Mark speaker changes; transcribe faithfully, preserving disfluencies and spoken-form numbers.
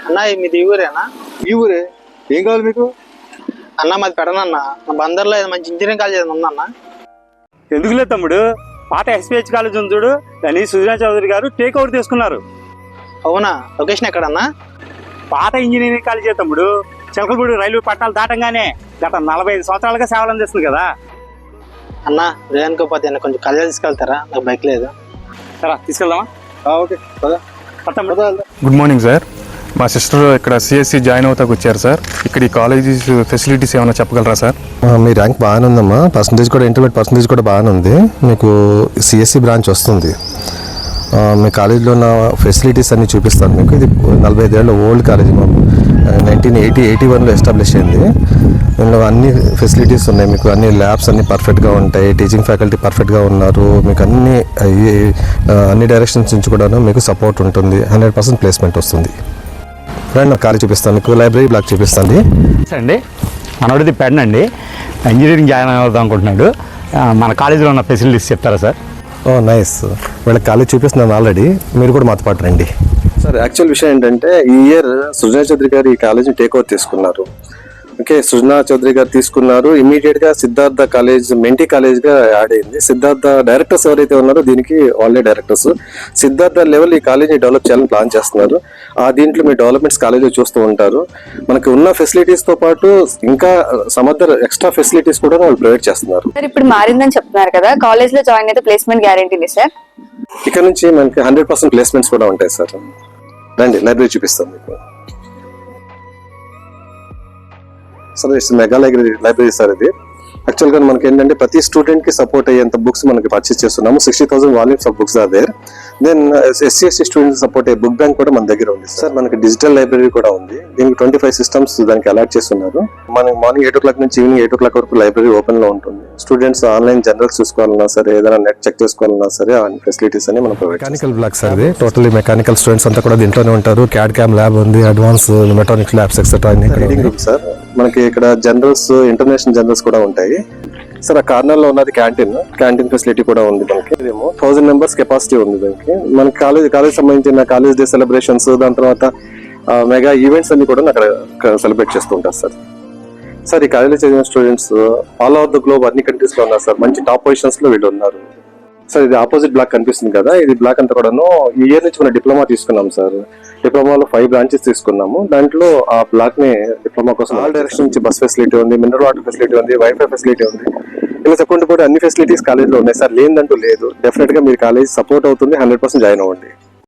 Speaker 1: అన్న మీది ఈ ఊరేనా?
Speaker 2: ఈ ఊరే. ఏం కావాలి మీకు?
Speaker 1: అన్న మాది పెడనన్న, మా బందర్లో ఏదో మంచి ఇంజనీరింగ్ కాలేజ్ ఏదైనా ఉందన్న.
Speaker 3: ఎందుకు లేదు తమ్ముడు, పాత ఎస్పీహెచ్ కాలేజ్ ఉంది చూడు, దాన్ని సుజనా చౌదరి గారు టేక్ ఓవర్ తీసుకున్నారు.
Speaker 1: అవునా? లొకేషన్ ఎక్కడన్నా?
Speaker 3: పాత ఇంజనీరింగ్ కాలేజీ తమ్ముడు, చిలకలపూడి రైల్వే పట్టాలు దాటంగానే గత నలభై ఐదు సంవత్సరాలుగా సేవలు అందిస్తుంది కదా.
Speaker 1: అన్న లేదనుకోపోతే కొంచెం కాలేజ్ తీసుకెళ్తారా? నాకు బైక్ లేదు.
Speaker 3: సరే తీసుకెళ్దామా?
Speaker 2: ఓకే పద.
Speaker 4: Good morning sir. మా సిస్టర్ ఇక్కడ సిఎస్సి జాయిన్ అవుతాకు వచ్చారు సార్. ఇక్కడ ఈ కాలేజీస్ ఫెసిలిటీస్ ఏమైనా చెప్పగలరా సార్?
Speaker 5: మీ ర్యాంక్ బాగానే ఉందమ్మా, పర్సంటేజ్ కూడా ఇంటర్మీడియట్ పర్సంటేజ్ కూడా బాగానే ఉంది. మీకు సిఎస్సి బ్రాంచ్ వస్తుంది. మీ కాలేజీలో ఉన్న ఫెసిలిటీస్ అన్నీ చూపిస్తాను మీకు. ఇది నలభై ఐదేళ్ళ ఓల్డ్ కాలేజీ, మా నైన్టీన్ ఎయిటీ ఎయిటీ వన్లో ఎస్టాబ్లిష్ అయింది. దీనిలో అన్ని ఫెసిలిటీస్ ఉన్నాయి మీకు. అన్ని ల్యాబ్స్ అన్నీ పర్ఫెక్ట్గా ఉంటాయి, టీచింగ్ ఫ్యాకల్టీ పర్ఫెక్ట్గా ఉన్నారు. మీకు అన్ని అన్ని డైరెక్షన్స్ నుంచి కూడా మీకు సపోర్ట్ ఉంటుంది. హండ్రెడ్ పర్సెంట్ ప్లేస్మెంట్ వస్తుంది. రండి, నాకు కాలేజ్ చూపిస్తాను మీకు. లైబ్రరీ బ్లాక్ చూపిస్తాను
Speaker 3: అండి. మనోడిది పెడనండి, ఇంజనీరింగ్ జాయిన్ అవుదాం అనుకుంటున్నాడు. మన కాలేజీలో ఉన్న ఫెసిలిటీస్ చెప్తారా సార్?
Speaker 5: Oh nice. వీళ్ళకి కాలేజ్ చూపిస్తున్నాను ఆల్రెడీ, మీరు కూడా మాతో పాటు రండి. సార్ యాక్చువల్ విషయం ఏంటంటే ఈ ఇయర్ సుజనా చౌదరి గారు ఈ కాలేజ్ని టేక్ ఓవర్ తీసుకున్నారు. ఓకే, సుజనా చౌదరి గారు తీసుకున్నారు. ఇమీడియట్ గా సిద్ధార్థ కాలేజ్ మెంటీ కాలేజ్ గా యాడ్ అయింది. సిద్ధార్థ డైరెక్టర్స్ ఎవరైతే ఉన్నారో దీనికి వాళ్ళే డైరెక్టర్స్. సిద్ధార్థ లెవెల్ ఈ కాలేజ్ ని డెవలప్ చేయాలని ప్లాన్ చేస్తున్నారు. ఆ దీంట్లో మీ డెవలప్మెంట్స్ కాలేజీలో చూస్తూ ఉంటారు. మనకి ఉన్న ఫెసిలిటీస్ తో పాటు ఇంకా సమ్ అదర్ ఎక్స్ట్రా ఫెసిలిటీస్ కూడా వాళ్ళు ప్రొవైడ్ చేస్తున్నారు.
Speaker 6: సార్ ఇప్పుడు మారిందని చెప్తున్నారు కదా, కాలేజ్ లో జాయిన్ అయితే ప్లేస్మెంట్ గ్యారెంటీ సార్?
Speaker 5: ఇక్కడ నుంచి మనకి హండ్రెడ్ పర్సెంట్ ప్లేస్మెంట్స్ కూడా ఉంటాయి సార్. రండి, లైబ్రరీ చూపిస్తాను మీకు. Sir it's mega library library sir. ఇది యాక్చువల్గా మనకి ఏంటంటే ప్రతి స్టూడెంట్ కి సపోర్ట్ అయ్యేంత బుక్స్ మనకి పర్చేస్ చేస్తున్నాము. Sixty thousand volumes of books are there. Then SC ST students support అయ్యే బుక్ బ్యాంక్ కూడా మన దగ్గర ఉంది సార్. మనకి డిజిటల్ లైబ్రరీ కూడా ఉంది. దీనికి ట్వంటీ ఫైవ్ సిస్టమ్స్ దానికి అలాట్ చేస్తున్నారు. మనకి మార్నింగ్ ఎయిట్ ఓ క్లాక్ నుంచి ఈవినింగ్ ఎయిట్ ఓ క్లాక్ వరకు లైబ్రరీ ఓపెన్ లో ఉంటుంది. స్టూడెంట్స్ ఆన్లైన్ జనరల్స్ చూసుకోవాలన్నా సరే, ఏదైనా నెట్ చెక్ చేసుకోవాలన్నా సరే, ఆ ఫెసిలిటీస్ అని మనం ప్రొవైడ్. మెకానికల్ బ్లాక్ సార్ ఇది. టోటలీ మెకానికల్ స్టూడెంట్స్ అంతా కూడా దీంట్లోనే ఉంటారు. క్యాడ్ క్యామ్ ల్యాబ్ ఉంది, advance mechanic labs etcetera reading room sir. మనకి ఇక్కడ జనరల్స్, ఇంటర్నేషనల్ జనరల్స్ కూడా ఉంటాయి సార్. ఆ కార్నర్ లో ఉన్నది క్యాంటీన్. క్యాంటీన్ ఫెసిలిటీ కూడా ఉంది మనకి. ఇదేమో థౌసండ్ మెంబర్స్ కెపాసిటీ ఉంది దానికి. మనకి కాలేజ్ కాలేజ్ సంబంధించిన కాలేజ్ డే సెలబ్రేషన్స్, దాని తర్వాత మెగా ఈవెంట్స్ అన్ని కూడా అక్కడ సెలబ్రేట్ చేస్తూ ఉంటారు సార్. సార్ ఈ కాలేజీలో చదివిన students all over the globe అన్ని కంట్రీస్ లో ఉన్నారు సార్. మంచి టాప్ పొజిషన్స్ లో వీళ్ళు ఉన్నారు సార్. ఇది ఆపోజిట్ బ్లాక్ కనిపిస్తుంది కదా, ఇది బ్లాక్ అంతా కూడాను ఈ ఇయర్ నుంచి మనం డిప్లొమా తీసుకున్నాం సార్. డిప్లొమాలో ఫైవ్ బ్రాంచెస్ తీసుకున్నాము. దాంట్లో ఆ బ్లాక్ ని డిప్లొమా కోసం ఆల్ డైరెక్షన్ నుంచి బస్ ఫెసిలిటీ ఉంది, మినరల్ వాటర్ ఫెసిలిటీ ఉంది, వైఫై ఫెసిలిటీ ఉంది. ఇలా చెప్పుకుంటూ కూడా అన్ని ఫెసిలిటీస్ కాలేజ్ లో ఉన్నాయి సార్. లేదంటూ లేదు. డెఫినెట్ గా మీరు కాలేజ్ సపోర్ట్ అవుతుంది. హండ్రెడ్ పర్సెంట్ జాయిన్ అవ్వండి.